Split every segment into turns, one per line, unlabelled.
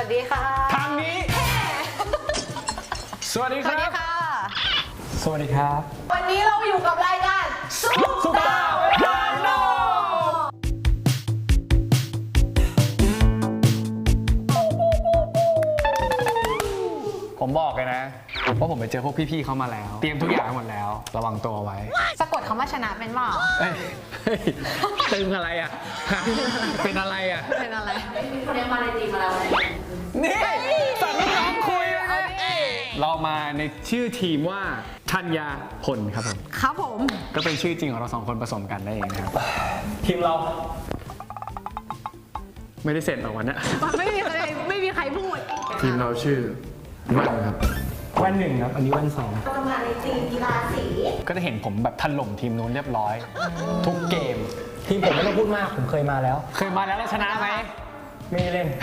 ดีค่ะ
ทางนี้สวัสดี
ส
ค
วัส
รั
ดี
บ
ค่ะ
สวัสดีครับ
วันนี้เราอยู่กับรายการ
สุดาเวลาโนผมบอกเลยนะว่าผมไปเจอพวกพี่ๆเขามาแล้ว เตรียมทุกอย่างหมดแล้วระวังตัวไว้
สะกดคำว่าชนะเป็นเปล่า
เฮ้ยตึงอะไรอ่ะเป็นอะไรอ่ะ
เป็นอะไร
คนนี้มาในทีมมาแล้วไง
นี่สั่งน้องคุยเรามาในชื่อทีมว่าธัญญาพลครับผม
ครับผม
ก็เป็นชื่อจริงของเราสองคนผสมกันได้เองนะครับทีมเรา ไม่ได้เสร็จหรอกวันนี้
ไม่มีใครพูด
ทีมเราชื่อแว่นครับ
แว่นหนึ่งครับอันนี้แว่นสอง
เรามาในทีมกีฬาสี
ก็จะเห็นผมแบบถล่มทีมนู้นเรียบร้อย ทุกเกม
ทีมผมไม่ต้องพูดมากผมเคยมาแล้ว
เคยมาแล้วชนะไหม
ไม่ได้เล่น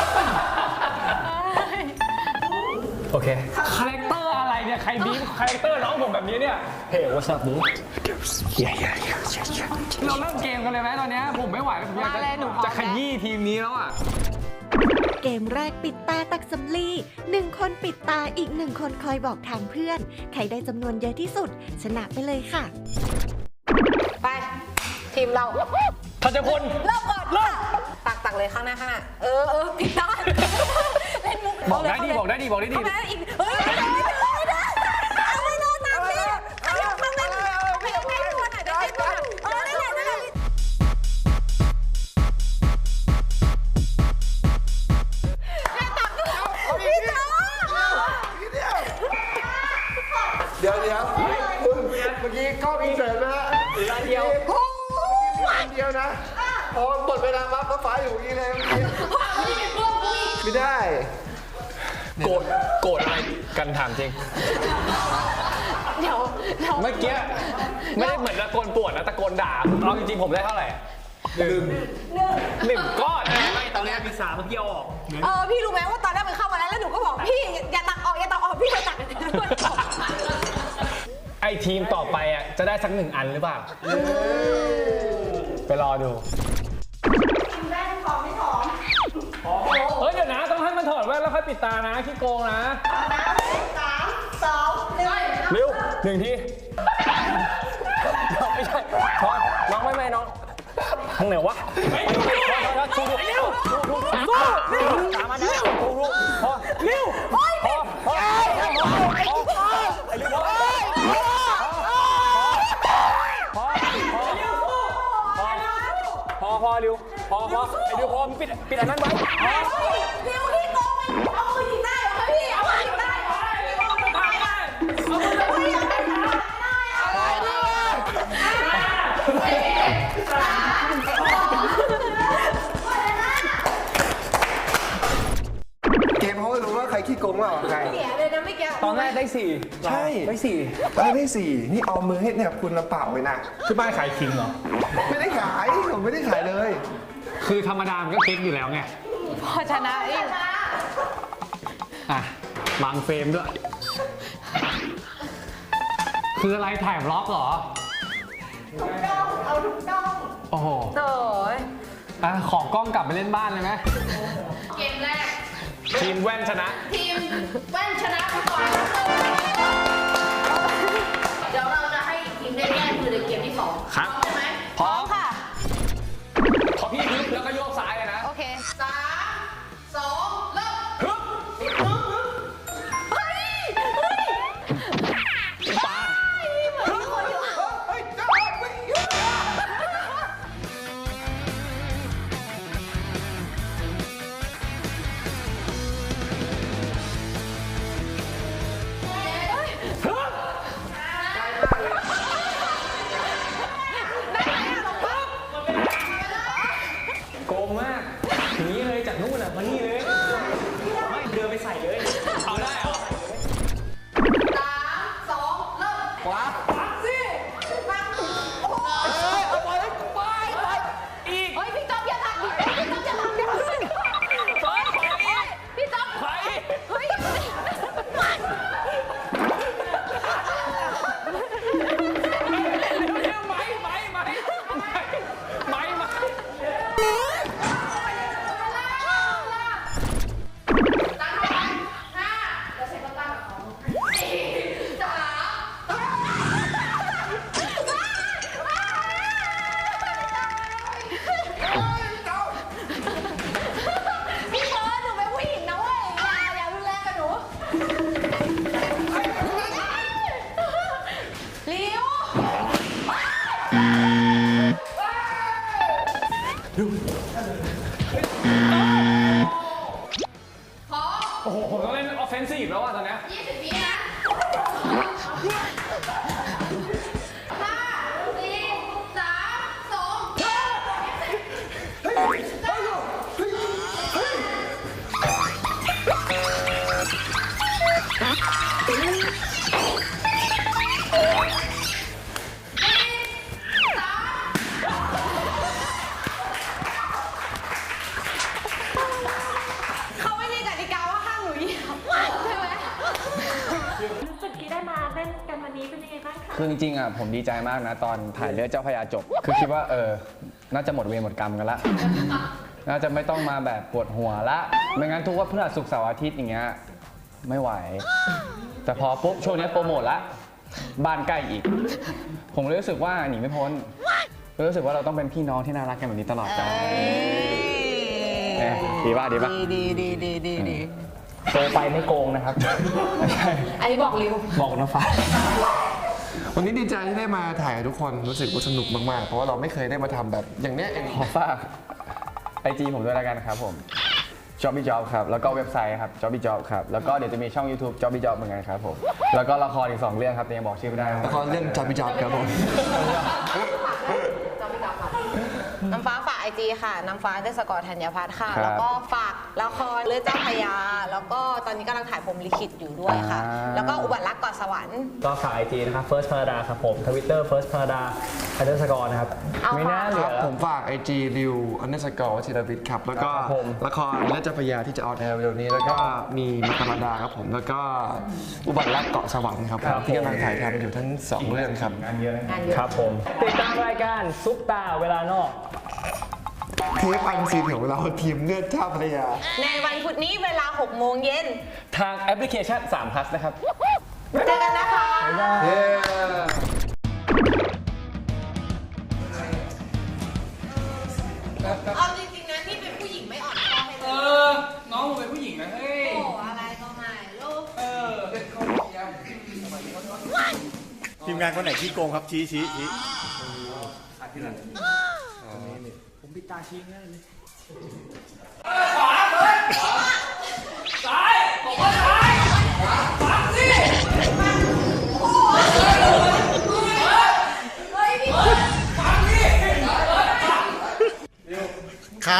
โอเค
คาแรคเตอร์อะไรเนี่ยใครบีบคาแรคเตอร์น้องผมแบบนี้เนี่ย
เฮ้ย what's up dude
เราเริ่มเกมกันเลยไหมตอนนี้ผมไม่ไหวแล้วผมอยาก
มาเลยหนูพร้อม
จะขยี้ทีมนี้แล้วอ่ะ
เกมแรกปิดตาตักสำลี1 คนปิดตาอีก1 คนคอยบอกทางเพื่อน ใครได้จำนวนเยอะที่สุด ชนะไปเลยค่ะ
ไป ทีมเรา
ทัชพล
เริ่มก่อนตักเลยข้างหน้าผิดด้านเล่นมุก
บอกได้ดีบอกได้ดีบอกได้ดี
เข้ามาอีกเฮ้ยไม่ได้เอาไม่รอดตามพี่เอาข้างหน้าไม่ควรอ่ะเดี๋ยวให้ตัวนั่นแหละพี่โต
เดี๋ยวคุณเมื่อกี้กล้องอินเสิร์ตนะฮะอันเดียวอันเดียวนะพอหมดเวลาปั๊บก็ฟ้าอยู่อย่างนี้เลยไม่ได้
โกรธอะไรกันถามจริง
เดี๋ยว
เมื่อกี้ไม่ได้เหมือนตะโกนปวดนะตะโกนด่าเอาจริงๆผมได้เท่าไหร่หนึ่งก้อนไม่ตอนแรกมี3เมื่อกี้เอาออก
พี่รู้ไหมว่าตอนแรกมันเข้ามาแล้วหนูก็บอกพี่อย่าตักออกพี่ไปตักด้วย
ไอทีมต่อไปอ่ะจะได้สัก1 อันหรือเปล่าไปรอดู
ทีมแรกพร้อมไม่พร้อม
เฮ้ยเดี๋ยวนะต้องให้มันถอดแว่นแล้วค่อยปิดตานะขี้โกงนะ
3 2 1
เร็ว1 ทีไม่ใช่ถอดน้องไม่น้องทางไหนวะถูกตามมานะถูกพอเร็วพอเร็วพอเร็วพอไอ้เร็วพอมึงปิดอันนั้นไว้
เดี๋ยวพี่โกงเอามือยิงได้เหรอพี่เอามือยิงได้เหรอ
เกมเขาไม่รู้ว่าใครขี้โกงว่าใคร
เสียเลยนะไม่แก
ตอนแรกได้4
ใช่
ได้4
ได้สี่นี่เอามือให้เนี่ยคุณละเปล่าเลยนะ
ที่บ้านขายคิงเหรอ
ไม่ได้ขายผมไม่ได้ขายเลย
คือธรรมดามันก็เค้กอยู่แล้วไง
พอชนะเอง
อ่ะวางเฟรมด้วย คืออะไรถ่ายบล็อกเหรอ
เอาทุกด้อง
โอ้โห
โอ้ย
อ่ะขอกล้องกลับไปเล่นบ้านเลยไหม
เกมแรก
ทีมแว่นชนะ
ทีมแว่นชนะไปก่อนเดี๋ยวเราจะให้ทีมได้แก้มือในเกมที่2
ครับ
พร้อมไหม
พร้อม
ค่ะ
ขอพี่ฮึบแล้วก็โยกซ้ายเลยนะ
โอเค
3 2 เริ่ม
ฮึบปา
คือจริงๆอ่ะผมดีใจมากนะตอนถ่ายเลือดเจ้าพระยาจบ คือคิดว่าน่าจะหมดเวรหมดกรรมกันละ น่าจะไม่ต้องมาแบบปวดหัวละ ไม่งั้นทุกวันพฤหัสศุกร์เสาร์อาทิตย์อย่างเงี้ยไม่ไหว แต่พอปุ๊บช่วงนี้โปรโมทละบ้านใกล้อีก ผมเลยรู้สึกว่าหนีไม่พ้นรู้สึกว่าเราต้องเป็นพี่น้องที่น่ารักกันแบบนี้ตลอดไปดีป่ะดีป่ะ
ดี
โตไปไม่โกงนะครับ
อันนี้บอกริว
บอกน้องฟ้า
วันนี้ดีใจที่ได้มาถ่ายกับทุกคนรู้สึกว่าสนุกมากๆเพราะว่าเราไม่เคยได้มาทำแบบอย่างเนี้ย
ขอฝากIG ผมด้วยแล้วกันครับผม Jobby Job ครับแล้วก็เว็บไซต์ครับ Jobby Job ครับแล้วก็เดี๋ยวจะมีช่อง YouTube Jobby Job เหมือนกันครับผมแล้วก็ละครอีก2เรื่องครับแต่ยังบอกชื่อไม่ได้
ละครเรื่องจับพิจับครับผม
น้ำฟ้าฝากไอจีค่ะ น้ำฟ้าเดสกอร์ธัญพัฒน์ค่ะ
ครับ
แล้วก็ฝากละครเลือดเจ้าพระยา แล้วก็ตอนนี้กำลังถ่ายพรหมลิขิตอยู่ด้วยค่ะ แล้วก็อุบัติรักเกาะสวรรค์
ก็ฝาก IG นะครับ First Parada ครับผม Twitter First Parada _นะครับ
เอา
ไม่น่าเหลื
ค
อ
รับผมฝาก IG ริว_วัชิรวิทย์ครับแล้วก็
ครับผม
ละครและเจ้าพระยาที่จะออนแอร์เร็วนี้แล้วก็มีมกรดาครับผมแล้วก็อุบัติรักเกาะสวรรค์ครับผมที่กำลังถ่ายทำอยู่ทั้ง2เรื่องครับ
งานเยอะ
ครับผม ติดตามรายการซุปตาเวลานอก
เทปอันซีนของเราทีมเลือดเจ้าพระยา
ในวันพุธนี้เวลา 6 โมงเย็น
ทางแอปพลิเคชัน3 plus นะครับ
เจอกันนะคะ
เย้
เอาจริงๆนะนี่เป็นผู้หญิงไม่อ่อนข้อให้เลย
น้องผมเป็นผู้หญิงนะเฮ้ย
โอ้อะไรก็ไม่ลูก
ทีมงานคนไหนขี้โกงครับชี้ ครับ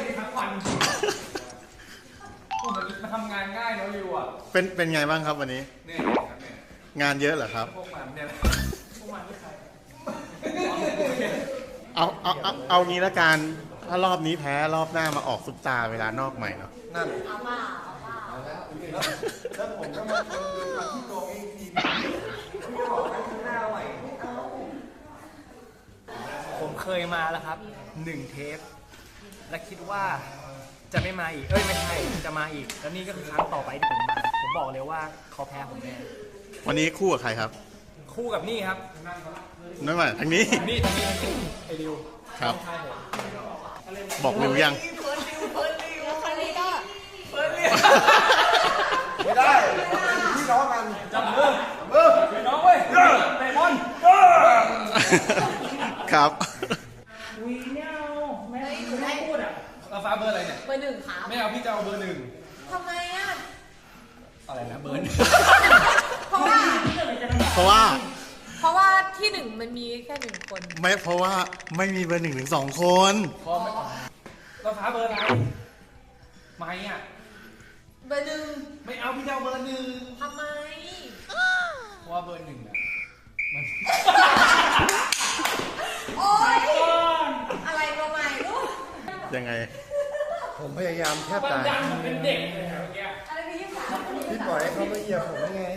มาทำงานง่ายเนาะริวอ่ะ
เป็นไงบ้างครับวันนี้
เนี่ยครับเนี่ย
งานเยอะเหรอครับ
พวกมันเนี่ย
เอางี้ละกันถ้ารอบนี้แพ้รอบหน้ามาออกซุปตาเวลานอกใหม่เนาะ
ผมเคยมาแล้วครับ1เทป และคิดว่าจะไม่มาอีก ไม่ใช่ จะมาอีก แล้วนี่ก็คือครั้งต่อไปที่ผมมา ผมบอกเลยว่าเขาแพ้ผมแน่
วันนี้คู่กับใครครับ
คู่กับนี่ครับ
นั่นหมายทางนี้
นี่ทางนี้ไอริว
ครับ บอกริวยัง
ไม่ได้พี่น้องกัน
จับมือพี่น้องเว้ยเตะบอล
ครับ
เราฟ้าเบอร์อะไรเนี่ย
เบอร์ 1ค่ะ
ไม่เอาพี่จะเอาเบอร์
ทำไมอ่ะ
1อะไรนะเบอร์
เพราะว่า
เพราะว่า
เพราะว่าที่ 1 มันมีแค่ 1 คน
ไม่เพราะว่าไม่มีเบอร์1 ถึง 2 คน
พอไม่เราฟ้าเบอร์อะไรไม่อ่ะ
เบอร์
ไม่เอาพี่จะเอาเบอร์
1ทำไม
1เพราะว่าเบอร์ 1อ่ะมัน
โอ๊ย อะไรก็ไม่รู้
ยังไง
ผมพยายามแทบ
มัน
ตาย
ดังมันเป็นเด็กเลยครับเมื่อกี้
อะไรไปยิ่งสาว
พี่ปล่อยให้เขามาเหยียบผมได้ไง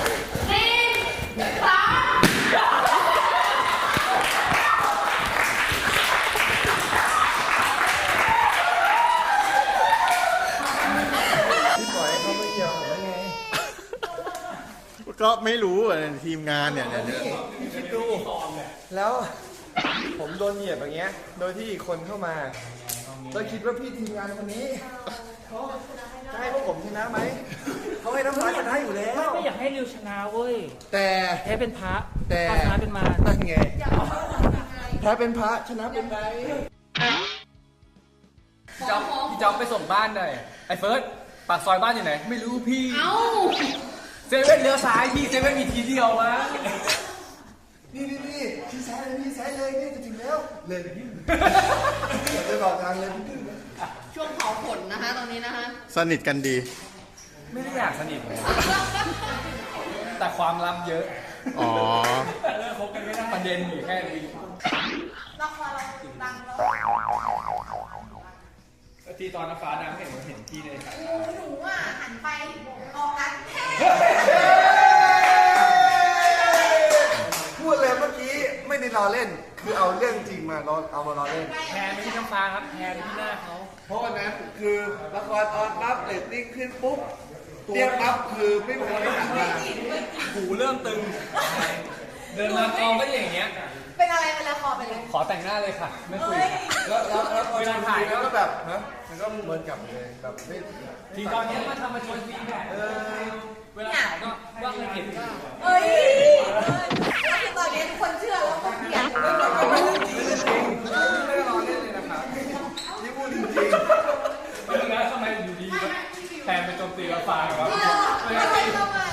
พี่ปล่อยให้เขามาเหยียบผมได้ไง
ก็ไม่รู้อ่ะทีมงานเนี่ย
คิดดูแล้วผมโดนเหยียบอย่างเงี้ย โดยที่อีกคนเข้ามาแล้วคิดว่าพี่ทีมงานคนนี้เขาจะให้พวกผมชนะไหม เขาให้น้ำลายชนะอยู่แล้ว
ไม่อยากให้ริวชนะเว้ย
แต่
แพ้เป็นพระ
แต่
ถ้าชนะเป็นมาร
นั่นไงแพ้เป็นพระชนะเป็นไร
พี่จ๊อบไปส่งบ้านหน่อยไอ้เฟิร์สปากซอยบ้านอยู่ไหน ไม่รู้พี่
เอ้า
เซเว่นเลี้ยวซ้ายพี่เซเว่นมีทีเดียววะ
นี่พี่ซ้ายเลยพี่ซ้ายเลยนี่จะถึงแล้วเลยพี่ไปบอกทางเลยพี่
ช่วงเผาขนนะคะตอนนี้นะคะ
สนิทกันดี
ไม่ได้อยากสนิทเลยแต่ความลับเยอะ
อ๋อ
เลิกคบกันไม่ได้ประเด็นอยู่แค่นี้
ละครเราดังแล้ว
ที่ตอนน้ำฟ้าดังเห็นพี่ในฉาก
หนูอ่ะหันไปออกกันแท้
อเล่น คือเอาเรื่องจริงมาเอามาล้อเล่น
แพนไม่ใช่น้ำฟ้าครับแพนที่หน้าเขา
เพราะวันนั้นคือละครออนปั๊บเรตติ้งขึ้นปุ๊บเตรียมปั๊บคือไม่มีคนหันมา
หูเริ่มตึง เดินมากองก็อย่างเงี้ย
เป็นอะไรเป็นละครเป็นอะไร
ขอแต่งหน้าเลยค่ะ ไม่คุย
แล้วพอถ่ายก็แบบฮะมันก็เหมือนกับเลยแบบไม่
ทีตอนนี้มาทำมาชวนฟีดแบ็กเวลาถ่ายก็ว่าเคยเห็น
เอ้ยแล้วคือตอนนี้ทุกคนเชื่อแล้วก็เกลียด
ไม่เรื่องจริงไม่ได้ล้อเล่นเลยนะครับนี่พูดจริง
แล้วทำไมอยู่ดีแทนไปโจมตีเราฟ้าครับ
ไม่ใช่ทำไม